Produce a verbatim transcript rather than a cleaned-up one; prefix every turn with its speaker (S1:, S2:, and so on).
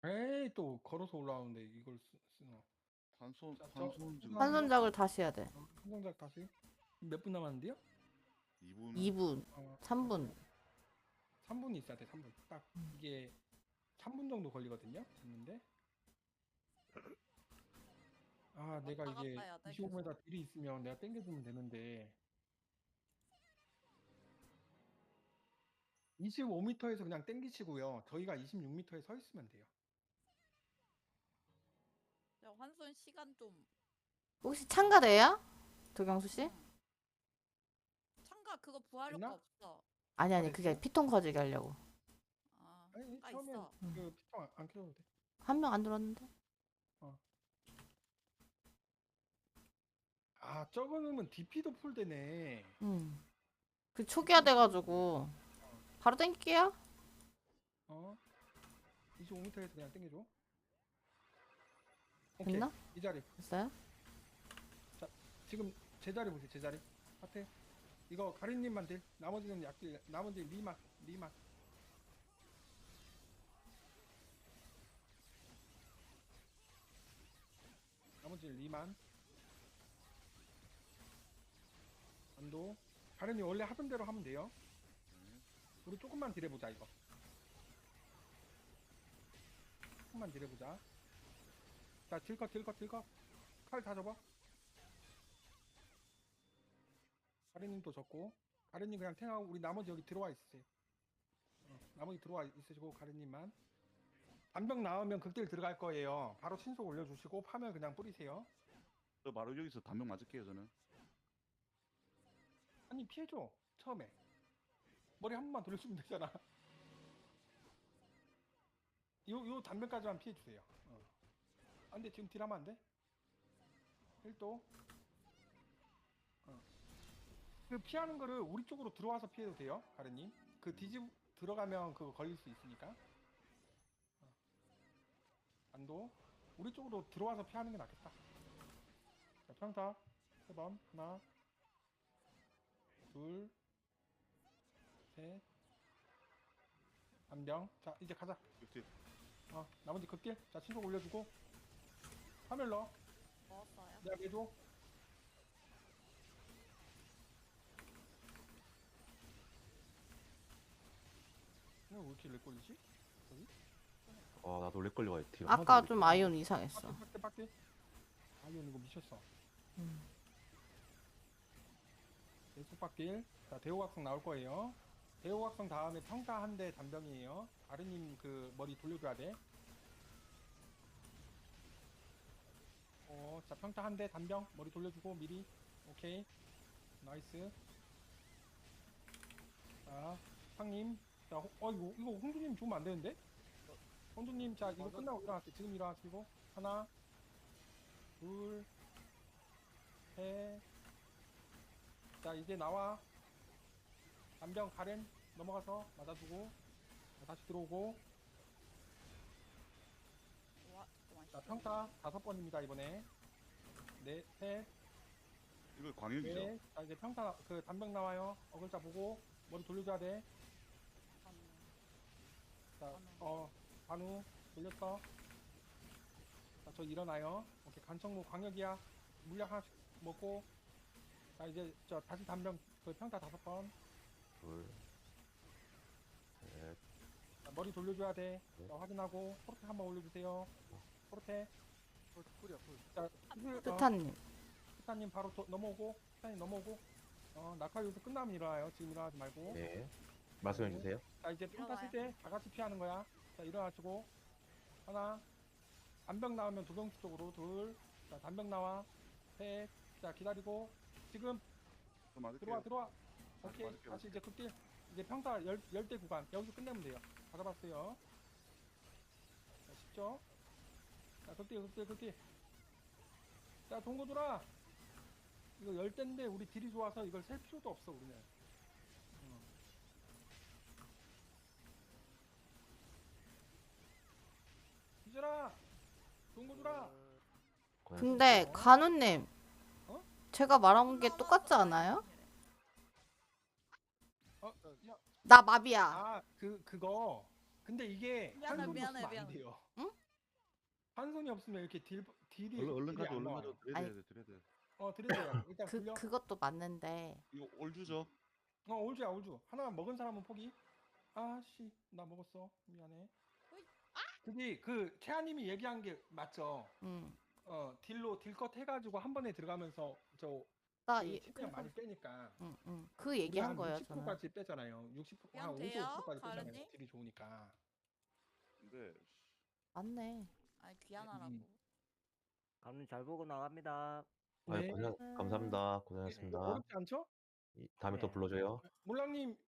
S1: 에이 또 걸어서 올라오는데 이걸 쓰, 쓰나.
S2: 단손
S1: 자, 저
S2: 단손 지금
S1: 하나
S3: 환손작을 다시 해야 돼.
S1: 어, 성공작 다시. 몇 분 남았는데요?
S2: 이 분.
S3: 이 분,
S1: 어,
S3: 삼 분.
S1: 삼 분이 있어야 돼. 삼 분. 딱 이게 삼 분 정도 걸리거든요. 됐는데. 아, 내가
S4: 왔다
S1: 이게
S4: 갔다 해야 돼,
S1: 이십오 미터
S4: 계속.
S1: 딜이 있으면 내가 땡겨주면 되는데 이십오 미터에서 그냥 땡기시고요. 저희가 이십육 미터에 서 있으면 돼요.
S4: 야, 환손 시간 좀.
S3: 혹시 참가돼요? 도경수 씨?
S4: 응. 참가 그거 부활효과
S1: 됐나?
S4: 없어.
S3: 아니 아니
S1: 됐어?
S3: 그게 피통 커지게 하려고.
S4: 아,
S1: 아니
S4: 참가
S1: 처음엔
S4: 있어.
S3: 음.
S1: 그 피통 안, 안 켜도 돼.
S3: 한 명 안 들었는데?
S1: 아, 적으면 디피도 풀되네.
S3: 응. 그 초기화 돼가지고 바로 땡길게요.
S1: 어? 이십오 미터에서 그냥 땡겨줘. 오케이.
S3: 됐나?
S1: 이 자리.
S3: 됐어요?
S1: 지금 제자리 보세요. 제자리. 하트. 이거 가린님만 딜. 나머지는 약딜. 나머지 리만. 리만. 나머지 리만. 안도. 가린님 원래 하던 대로 하면 돼요.
S2: 네.
S1: 우리 조금만 딜해보자 이거. 조금만 딜해보자. 자, 딜컷 딜컷 딜컷. 칼 다 접어. 가린님도 접고. 가린님 그냥 탱하고 우리 나머지 여기 들어와 있으세요. 어, 나머지 들어와 있으시고 가린님만. 반병 나오면 극딜 들어갈 거예요. 바로 신속 올려주시고 파면 그냥 뿌리세요.
S2: 저 바로 여기서 단명 맞을게요 저는.
S1: 아니 피해줘. 처음에 머리 한 번만 돌려주면 되잖아. 요, 요 단면까지만 피해주세요. 어. 아, 근데 지금 딜하면 안 돼? 일 도. 어. 그 피하는 거를 우리 쪽으로 들어와서 피해도 돼요, 가르님. 그 뒤집 들어가면 그거 걸릴 수 있으니까. 어. 안도. 우리 쪽으로 들어와서 피하는 게 낫겠다. 자, 평타. 세 번. 하나. 둘. 셋. 안병. 자, 이제 가자.
S2: 이렇게
S1: 어, 나머지 극딜. 자, 신속 올려주고. 화면 넣어.
S4: 먹었어요.
S1: 내가 매줘. 왜 이렇게 렉 걸리지? 여기?
S5: 아 나도 렉 걸려가 있대요.
S3: 아까 좀 아이온 이상했어.
S1: 빡대 빡대 빡대. 아이언 이거 미쳤어.
S3: 음.
S1: 계속 빡딜. 자, 대호각성 나올 거예요. 대호각성 다음에 평타 한 대 단병이에요. 아르님 그 머리 돌려줘야 돼. 어, 자, 평타 한 대 단병 머리 돌려주고 미리. 오케이. 나이스. 자, 상님. 자, 호, 어 이거 이거 홍주님 주면 안 되는데? 홍주님, 자 이거 끝나고 일어나세요. 지금 일어나시고 하나, 둘, 셋. 자, 이제 나와. 단병 가렌 넘어가서 맞아주고. 자, 다시 들어오고.
S4: 와, 잠깐만.
S1: 자, 평타 다섯 번입니다 이번에. 네, 셋,
S2: 이거 광역이죠.
S1: 넷. 자, 이제 평타 그 단병 나와요. 어글자 보고 머리 돌려줘야 돼. 자, 어, 반우 돌렸어. 자, 저 일어나요. 오케이, 간청무 광역이야. 물약 하나씩 먹고. 자, 이제 저 다시 단병 그 평타 다섯 번.
S5: 둘, 셋,
S1: 자, 머리 돌려줘야 돼.
S5: 네.
S1: 자, 확인하고 포르테 한번 올려주세요. 포르테.
S2: 꿀이야 꿀.
S1: 자, 힐, 어,
S3: 뜨타님.
S1: 스타님 바로 도, 넘어오고. 스타님 넘어오고. 어, 낙하 요소 끝나면 일어나요. 지금 일어나지 말고.
S5: 네. 말씀해 주세요.
S1: 자, 이제 평타 쓸
S4: 일어나요.
S1: 때 다 같이 피하는 거야. 자, 일어나시고. 하나. 단병 나오면 도경수 쪽으로. 둘. 자, 단병 나와. 셋. 자, 기다리고. 지금
S2: 저 맞을게요.
S1: 들어와, 들어와. 오케이.
S2: 맞을게요,
S1: 다시 이제 극딜. 이제 평타 열, 열대 구간. 여기서 끝내면 돼요. 다 잡았어요. 자, 쉽죠? 자, 극딜, 극딜, 극딜. 자, 동고 돌아. 이거 열대인데 우리 딜이 좋아서 이걸 셀 필요도 없어, 우리는. 어. 뒤져라! 동고 돌아!
S3: 근데 간우님.
S1: 어?
S3: 제가 말한 게 똑같지 않아요?
S1: 어, 야,
S3: 나 마비야.
S1: 아, 그, 그거. 근데 이게
S4: 미안해,
S1: 한 손이
S4: 미안해,
S1: 없으면 안
S4: 미안해.
S1: 돼요.
S3: 응?
S1: 한 손이 없으면 이렇게 딜 딜이
S2: 얼른 얼른
S1: 딜이
S2: 가져
S1: 안
S2: 얼른
S1: 나와요.
S2: 가져 드려야
S3: 아니.
S2: 돼 드려야 돼.
S1: 어 드려요. 일단
S3: 그
S1: 굴려.
S3: 그것도 맞는데
S2: 이거 올주죠?
S1: 어 올주야 올주. 하나만 먹은 사람은 포기. 아씨 나 먹었어. 미안해.
S4: 어이,
S1: 그게 그 채아님이 얘기한 게 맞죠.
S3: 음.
S1: 어 딜로 딜컷 해가지고 한 번에 들어가면서 저
S3: 나
S1: 그
S3: 이,
S1: 치명 많이 빼니까.
S3: 음, 음. 그 얘기한 거예요, 저는.
S1: 육십 퍼센트까지 빼잖아요. 육십 퍼센트 한
S4: 그냥
S1: 오십오
S4: 돼요?
S1: 퍼센트까지 빼잖아요.
S4: 가은이?
S1: 딜이 좋으니까.
S2: 근데
S3: 맞네.
S4: 아니 귀환하라고.
S1: 음.
S6: 감님 잘 보고 나갑니다.
S5: 아유,
S1: 네.
S5: 고생, 감사합니다. 고생하셨습니다.
S1: 어렵지 않죠?
S5: 이- 다음에 또
S6: 네.
S5: 불러줘요.
S1: 몰랑님